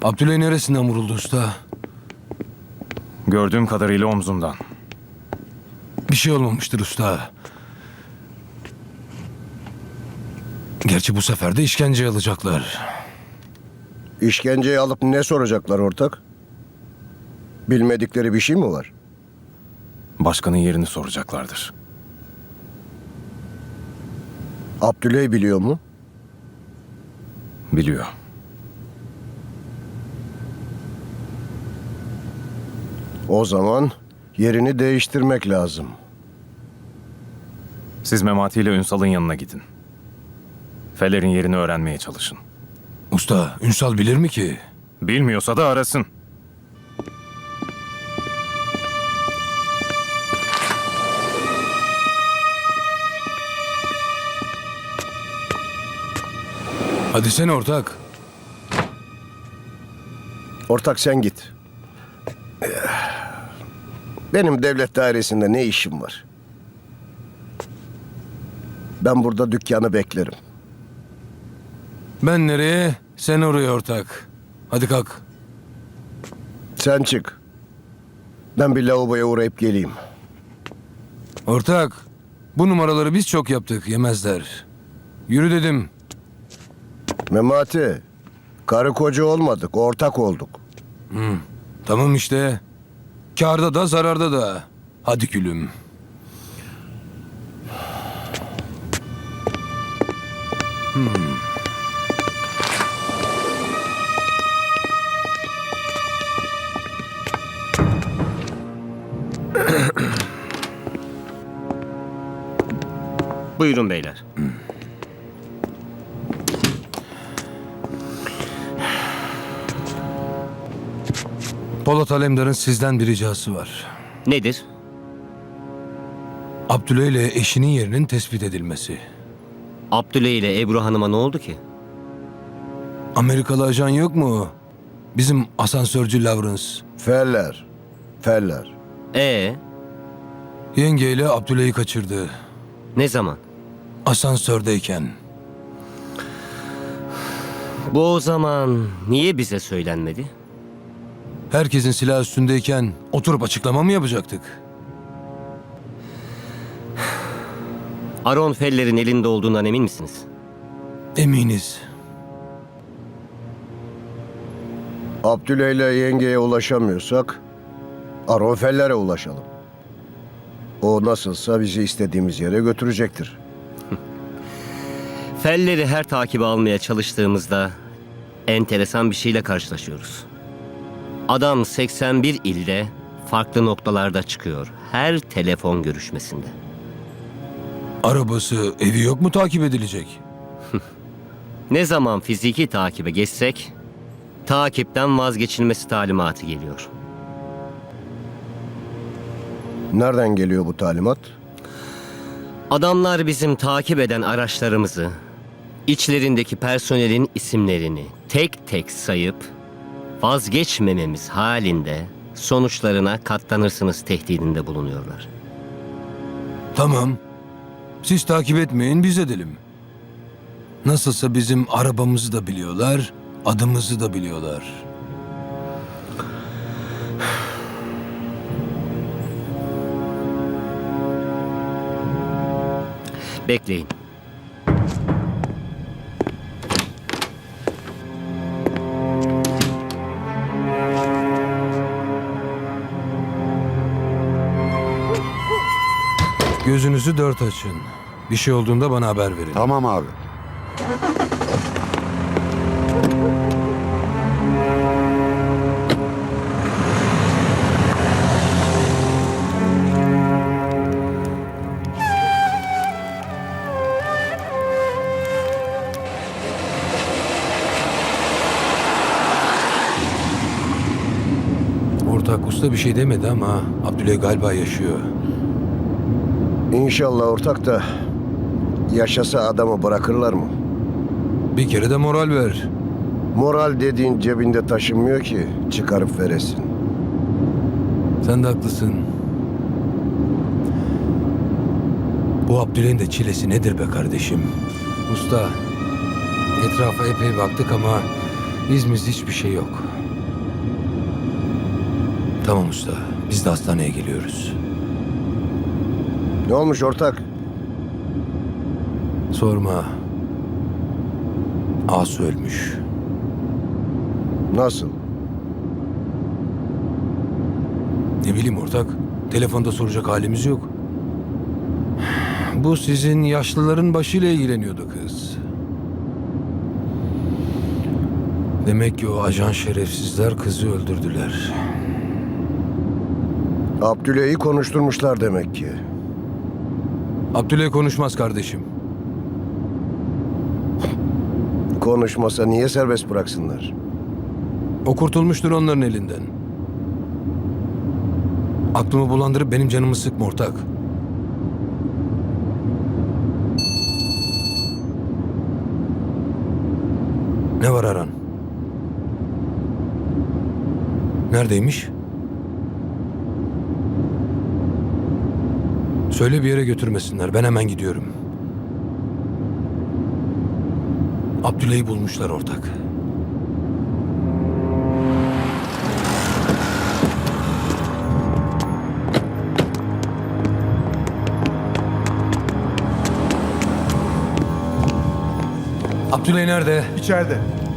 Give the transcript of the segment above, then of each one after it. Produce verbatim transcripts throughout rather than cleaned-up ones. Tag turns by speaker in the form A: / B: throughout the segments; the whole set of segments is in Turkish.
A: Abdüley neresinden vuruldu usta?
B: Gördüğüm kadarıyla omzundan.
A: Bir şey olmamıştır usta. Gerçi bu sefer de işkence alacaklar.
C: İşkenceyi alıp ne soracaklar ortak? Bilmedikleri bir şey mi var?
B: Başkanın yerini soracaklardır.
C: Abdüley biliyor mu?
B: Biliyor.
C: O zaman yerini değiştirmek lazım.
B: Siz Memati ile Ünsal'ın yanına gidin. Feler'in yerini öğrenmeye çalışın.
A: Usta, Ünsal bilir mi ki?
B: Bilmiyorsa da arasın.
A: Hadi sen ortak.
C: Ortak sen git. Benim devlet dairesinde ne işim var? Ben burada dükkanı beklerim.
A: Ben nereye? Sen oraya ortak. Hadi kalk.
C: Sen çık. Ben bir lavaboya uğrayıp geleyim.
A: Ortak, bu numaraları biz çok yaptık, yemezler. Yürü dedim.
C: Memati, karı koca olmadık, ortak olduk.
A: Tamam işte. Kârda da zararda da. Hadi gülüm.
D: Buyurun beyler.
A: Polat Alemdar'ın sizden bir ricası var.
D: Nedir?
A: Abdüley ile eşinin yerinin tespit edilmesi.
D: Abdüley ile Ebru Hanım'a ne oldu ki?
A: Amerikalı ajan yok mu? Bizim asansörcü Lawrence.
C: Feller, feller.
D: Ee,
A: Yengeyle Abdüley'i kaçırdı.
D: ne zaman?
A: Asansördeyken.
D: Bu o zaman niye bize söylenmedi?
A: Herkesin silah üstündeyken oturup açıklama mı yapacaktık?
D: Aron Feller'in elinde olduğundan emin misiniz?
A: Eminiz.
C: Abdüley ile yengeye ulaşamıyorsak, Aron Feller'e ulaşalım. O nasılsa bizi istediğimiz yere götürecektir.
D: Feller'i her takibe almaya çalıştığımızda enteresan bir şeyle karşılaşıyoruz. Adam seksen bir ilde farklı noktalarda çıkıyor. Her telefon görüşmesinde.
A: Arabası, evi yok mu takip edilecek?
D: Ne zaman fiziki takibe geçsek takipten vazgeçilmesi talimatı geliyor.
C: Nereden geliyor bu talimat?
D: Adamlar bizim takip eden araçlarımızı, içlerindeki personelin isimlerini tek tek sayıp vazgeçmememiz halinde sonuçlarına katlanırsınız tehdidinde bulunuyorlar.
A: Tamam. Siz takip etmeyin, biz edelim. Nasılsa bizim arabamızı da biliyorlar, adımızı da biliyorlar.
D: Bekleyin.
A: Gözünüzü dört açın. Bir şey olduğunda bana haber verin.
E: Tamam abi.
A: Ortak usta bir şey demedi ama Abdüley galiba yaşıyor.
C: İnşallah ortak da yaşasa adamı bırakırlar mı?
A: Bir kere de moral ver.
C: Moral dediğin cebinde taşınmıyor ki çıkarıp veresin.
A: Sen de haklısın. Bu Abdüley'in de çilesi nedir be kardeşim? Usta, etrafa epey baktık ama izimiz hiçbir şey yok. Tamam usta. Biz de hastaneye geliyoruz.
C: Ne olmuş ortak?
A: Sorma. Asu ölmüş.
C: Nasıl?
A: Ne bileyim ortak. Telefonda soracak halimiz yok. Bu sizin yaşlıların başıyla ilgileniyordu kız. Demek ki o ajan şerefsizler kızı öldürdüler.
C: Abdüley'i konuşturmuşlar demek ki.
A: Abdüley konuşmaz kardeşim.
C: Konuşmasa niye serbest bıraksınlar?
A: O kurtulmuştur onların elinden. Aklımı bulandırıp benim canımı sıkma ortak. Ne var Aran? Neredeymiş? Söyle bir yere götürmesinler. Ben hemen gidiyorum. Abdüley'i bulmuşlar ortak. Abdüley nerede?
E: İçeride.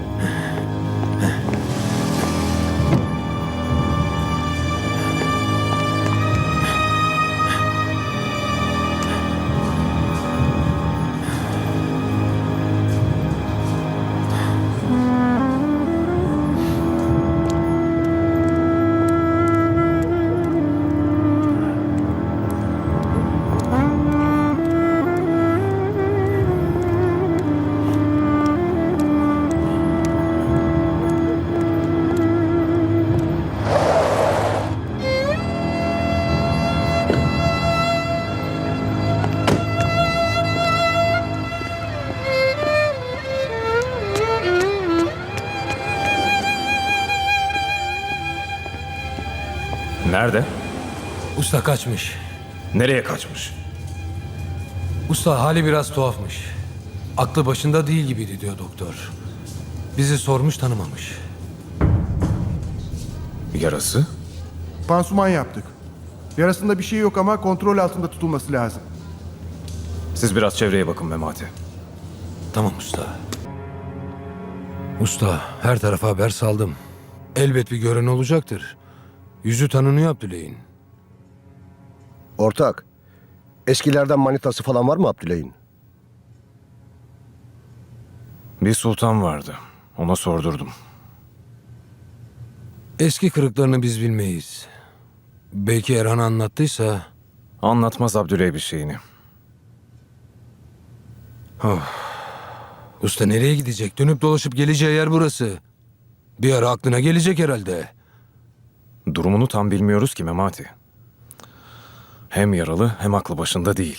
B: Nerede?
A: Usta kaçmış.
B: Nereye kaçmış?
A: Usta hali biraz tuhafmış. Aklı başında değil gibiydi diyor doktor. Bizi sormuş tanımamış.
B: Yarası?
E: Pansuman yaptık. Yarasında bir şey yok ama kontrol altında tutulması lazım.
B: Siz biraz çevreye bakın Memati.
A: Tamam usta. Usta her tarafa haber saldım. Elbet bir gören olacaktır. Yüzü tanınıyor Abdüley'in.
C: Ortak, eskilerden manitası falan var mı Abdüley'in?
B: Bir sultan vardı. Ona sordurdum.
A: Eski kırıklarını biz bilmeyiz. Belki Erhan anlattıysa...
B: Anlatmaz Abdüley bir şeyini.
A: Usta nereye gidecek? Dönüp dolaşıp geleceği yer burası. Bir ara aklına gelecek herhalde.
B: Durumunu tam bilmiyoruz ki Memati. Hem yaralı hem aklı başında değil.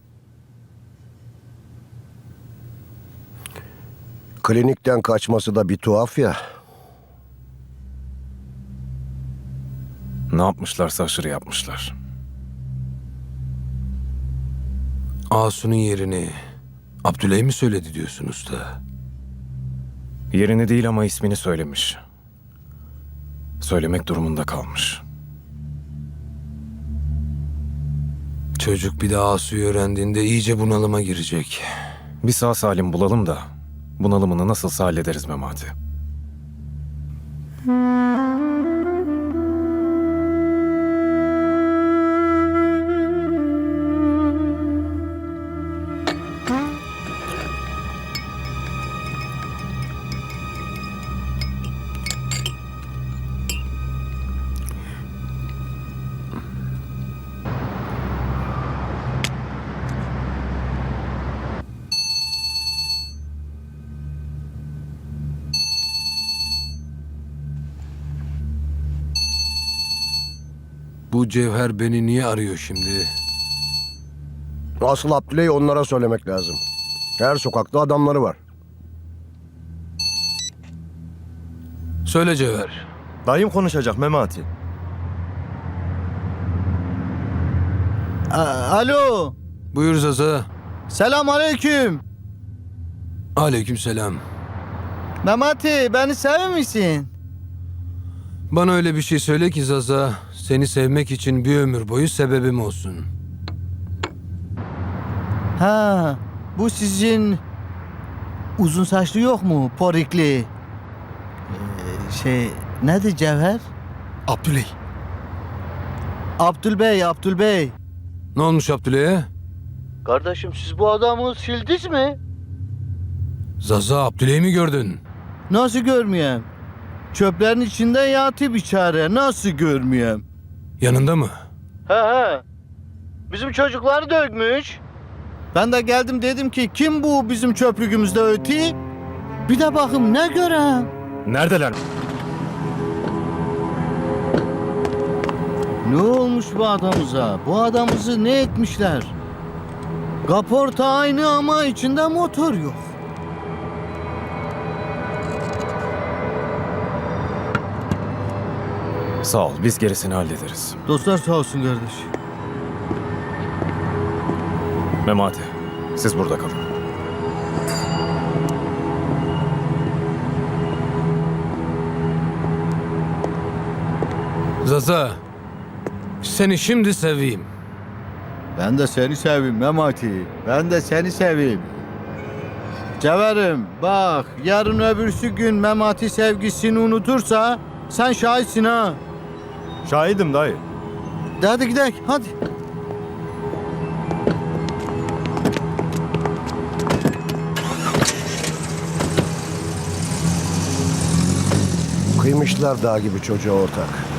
C: Klinikten kaçması da bir tuhaf ya.
B: Ne yapmışlarsa aşırı yapmışlar.
A: Asu'nun yerini Abdüley mi söyledi diyorsun usta?
B: Yerini değil ama ismini söylemiş. Söylemek durumunda kalmış.
A: Çocuk bir de Asu'yu öğrendiğinde iyice bunalıma girecek.
B: Bir sağ salim bulalım da bunalımını nasılsa hallederiz Memati.
A: Bu Cevher beni niye arıyor şimdi?
C: Asıl Abdüley onlara söylemek lazım. Her sokakta adamları var.
A: Söyle Cevher.
F: Dayım konuşacak Memati.
G: A- Alo.
A: Buyur Zaza.
G: Selam aleyküm.
A: Aleyküm selam.
G: Memati beni sever misin?
A: Bana öyle bir şey söyle ki Zaza, seni sevmek için bir ömür boyu sebebim olsun.
G: Ha, bu sizin uzun saçlı yok mu? Porikli. Ee, şey, nedir Cevher?
A: Abdüley.
G: Abdülbey, Abdülbey.
A: Ne olmuş Abdüley'e?
G: Kardeşim siz bu adamı sildiniz mi?
A: Zaza, Abdüley'i mi gördün?
G: Nasıl görmeyeyim? Çöplerin içinde yatıp içeri. Nasıl görmeyeyim?
A: Yanında mı?
G: He he. Bizim çocukları dökmüş. Ben de geldim dedim ki kim bu bizim çöplüğümüzde öti? Bir de bakım ne görem?
B: Neredeler?
G: Ne olmuş bu adamıza? Bu adamızı ne etmişler? Kaporta aynı ama içinde motor yok.
B: Sağ ol, biz gerisini hallederiz.
G: Dostlar sağ olsun kardeş.
B: Memati, siz burada kalın.
A: Zaza, seni şimdi seveyim.
G: Ben de seni seveyim Memati. Ben de seni seveyim. Cevherim bak yarın öbürsü gün Memati sevgisini unutursa sen şahitsin ha.
F: Şahidim dayı.
G: Hadi gidelim hadi.
C: Kıymışlar dağ gibi çocuğa ortak.